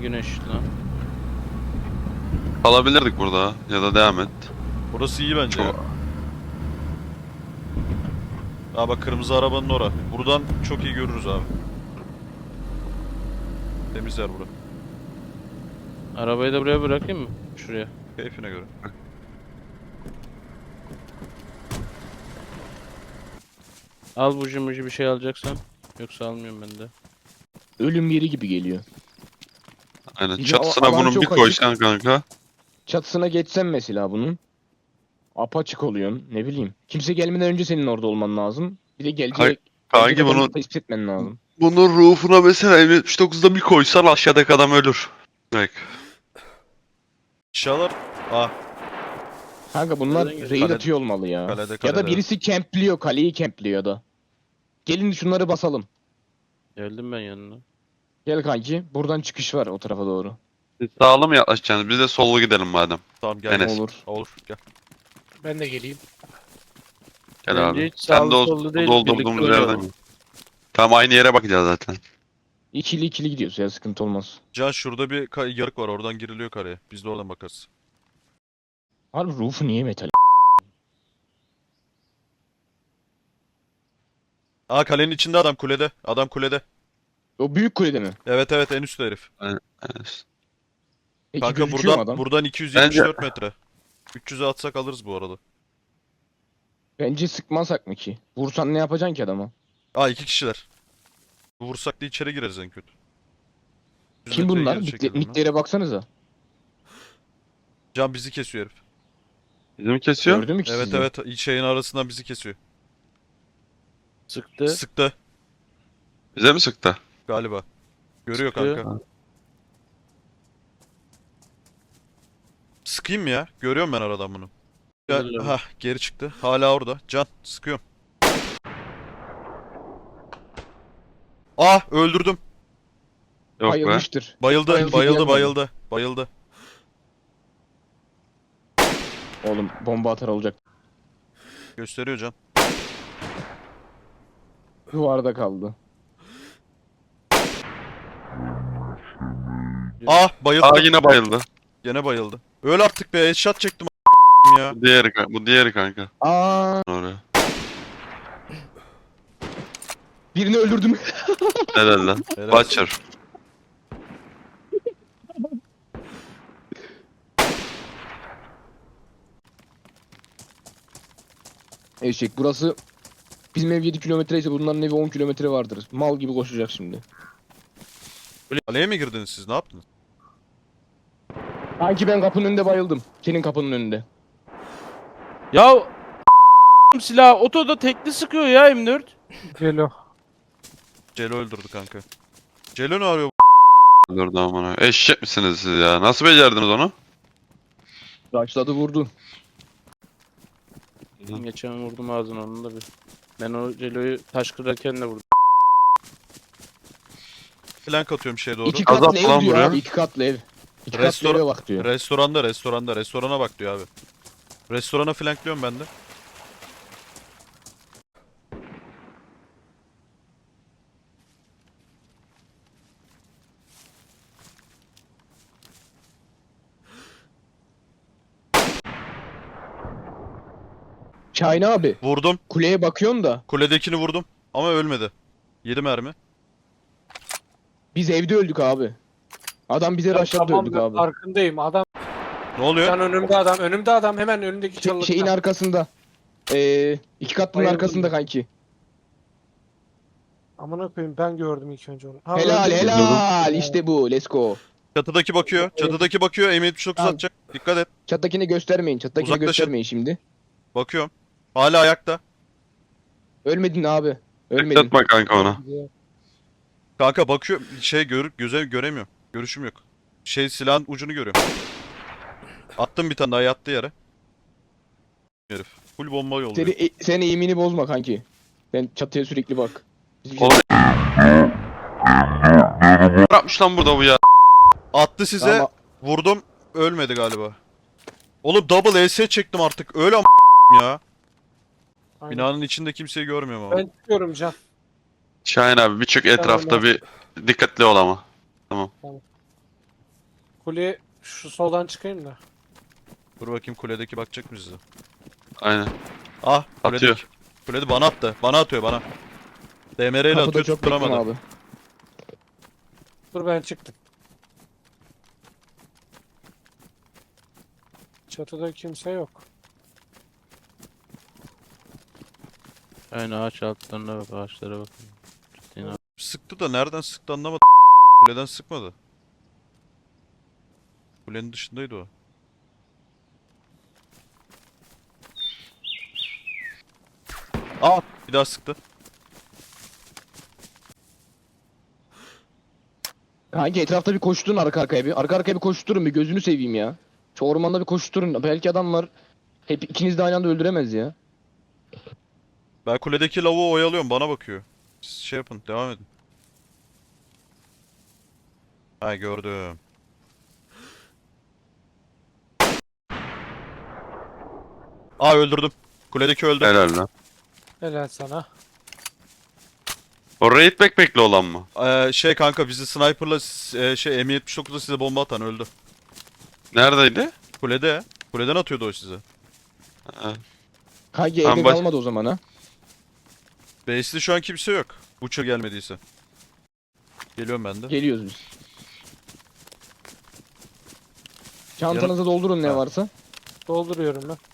güneş lan. Kalabilirdik burada ya da devam et. Burası iyi bence ya. Çok... Aa bak kırmızı arabanın ora. Buradan çok iyi görürüz abi. Temiz yer bura. Arabayı da buraya bırakayım mı? Şuraya. Keyfine göre. Al buji muji bir şey alacaksan. Yoksa almıyorum ben de. Ölüm yeri gibi geliyor. Aynen. Bir de Çatısına alan bunun çok bir koysan kanka. Çatısına geçsen mesela bunun. Apaçık oluyorsun. Ne bileyim. Kimse gelmeden önce senin orada olman lazım. Bir de gelecek. Kanki bunu tespit etmen lazım. bunun ruhuna mesela M79'da bir koysan aşağıdaki adam ölür. Direkt. İnşallah. Aa Kanka bunlar Nereden raid Kalede- atıyor olmalı ya. kalede Ya kalede. da birisi kempliyor. Kaleyi kempliyor ya da. Gelin şunları basalım. Geldim ben yanına. Gel kanki. Buradan çıkış var o tarafa doğru. Siz sağlı mı yaklaşacaksınız? Biz de sollu gidelim madem. Tamam gel. Enes. Olur. Olur gel. Ben de geleyim. Gel Bence abi. hiç Sen sağlı de sollu değil, doldurduğumuz birlikte yerden oynayalım. mi? Tamam aynı yere bakacağız zaten. İkili ikili gidiyoruz ya, sıkıntı olmaz. Can şurada bir yarık var, oradan giriliyor kareye. Biz de oradan bakarız. Harbi roof'u niye metal? Aa kalenin içinde adam, kulede. Adam kulede. O büyük kulede mi? Evet evet, en üstte herif. Evet. Peki Kanka gözüküyor mu buradan adam? buradan 274 metre. 300'e atsak alırız bu arada. Bence sıkmasak mı ki? Vursan ne yapacaksın ki adama? Aa iki kişiler. Vursak da içeri gireriz en kötü. 100 Kim metreye bunlar? geri çekildim lan. Nicklere baksanıza. Can bizi kesiyor herif. Bizim kesiyor. Gördün mü ki Evet sizi? evet, şeyin arasından bizi kesiyor. Sıktı. Sıktı Bize mi sıktı? galiba. Görüyor Sıkıyor. kanka. Sıkayım mı ya? Görüyorum ben aradan bunu. Güzel abi. Hah geri çıktı. Hala orada. Can sıkıyorum. Ah öldürdüm. Yok be. Bayılmıştır. Bayıldı, Bayıldı bayıldı, diyen bayıldı, bayıldı. Oğlum bomba atar olacak. Gösteriyor Can. Duvarda kaldı. Ah bayıldı. Aa yine bayıldı. Gene bayıldı. Öl artık be, headshot çektim ya. Bu diğeri kanka. Aa, Oraya. birini öldürdüm. Helal lan. Helal. Butcher. Eşek burası bizim ev 7 kilometre ise bunların evi 10 kilometre vardır. Mal gibi koşacak şimdi. Kaleye mi girdiniz siz? Ne yaptınız? Sanki ben kapının önünde bayıldım. Senin kapının önünde. Ya silah otoda tekli sıkıyor ya M4. Gelo. Celo öldürdü kanka. Celo ne arıyor? Dur da aman. Eşek misiniz siz ya? Nasıl becerdiniz onu? Başladı vurdu. Geçen vurdum ağzına onun da bir. Ben o Celo'yu taş kırarken de vurdum. Flank atıyorum şeye doğru. 2 katlı Azap ev lan diyor buraya. abi, 2 katlı ev. 2 katlı Restoran- eve bak diyor. Restorana bak diyor abi. Restorana flanklıyorum ben de. Şahin abi, Vurdum. kuleye bakıyorsun da Kuledekini vurdum. Ama ölmedi. 7 mermi. biz evde öldük abi. Adam bize rushladı Tamam öldük ben abi. farkındayım. Adam Ne oluyor? can önümde adam. Önümde adam hemen önündeki çalılıkta. Şeyin arkasında. 2 katlının Bayıldım arkasında ben. kanki. Amına koyayım ben gördüm ilk önce onu. Ha, Helal öldü. helal, işte bu, let's go. Çatıdaki bakıyor. Çatıdaki bakıyor. M79 Tamam. atacak. Dikkat et. Çattakini göstermeyin, çattakini Uzaklaşın. göstermeyin şimdi. Bakıyorum. Hala ayakta. Ölmedin abi. Ölmedin. Bekletme kanka ona. Kanka bakıyor. Göze göremiyor. Görüşüm yok. Silahın ucunu görüyorum. Attım bir tane daha, yattı yere. Herif. Full bomba yolluyor. Sen eğimini bozma kanki. Sen çatıya sürekli bak. Biz- Oğlum. Ne yapmış lan burada bu ya? Attı size. Ama Vurdum. Ölmedi galiba. Oğlum double ES çektim artık. Öyle ya. Aynen. Binanın içinde kimseyi görmüyorum ama. Ben çıkıyorum Can. Şahin abi bir çık etrafta bir dikkatli ol ama. Kule şu soldan çıkayım da. Dur bakayım kuledeki bakacak mı size? Aynen. Ah Atıyor. kuledeki. Kulede bana attı. Bana atıyor bana. DMR ile Kapıda atıyor çok bekleme tutturamadı. abi. Dur ben çıktım. Çatıda kimse yok. Aynen ağaç altlarına bak, ağaçlara bak. Ciddi ne- Sıktı da nereden sıktı anlamadım. Kuleden sıkmadı. Kulenin dışındaydı o. Aa bir daha sıktı. Kanki etrafta bir koşturun arka arkaya bir. Arka arkaya bir koşturun bir gözünü seveyim ya. Şu ormanda bir koşturun. Belki adam var. Hep ikiniz de aynı anda öldüremez ya. Ben kuledeki lavuğu oyalıyorum bana bakıyor. Siz şey yapın devam edin. Ha gördüm. Aa öldürdüm. Kuledeki öldü. Helal lan. Helal sana. O raid backpack'li olan mı? Şey kanka bizi sniper'la şey M79'da size bomba atan öldü. Neredeydi? Kulede. Kuleden atıyordu o size. Ha. Kanki Tamam, evde kalmadı o zaman ha. Base'de şu an kimse yok. Butcher gelmediyse. Geliyorum ben de. Geliyoruz biz. Çantanızı doldurun ne Ha. varsa. Dolduruyorum ben.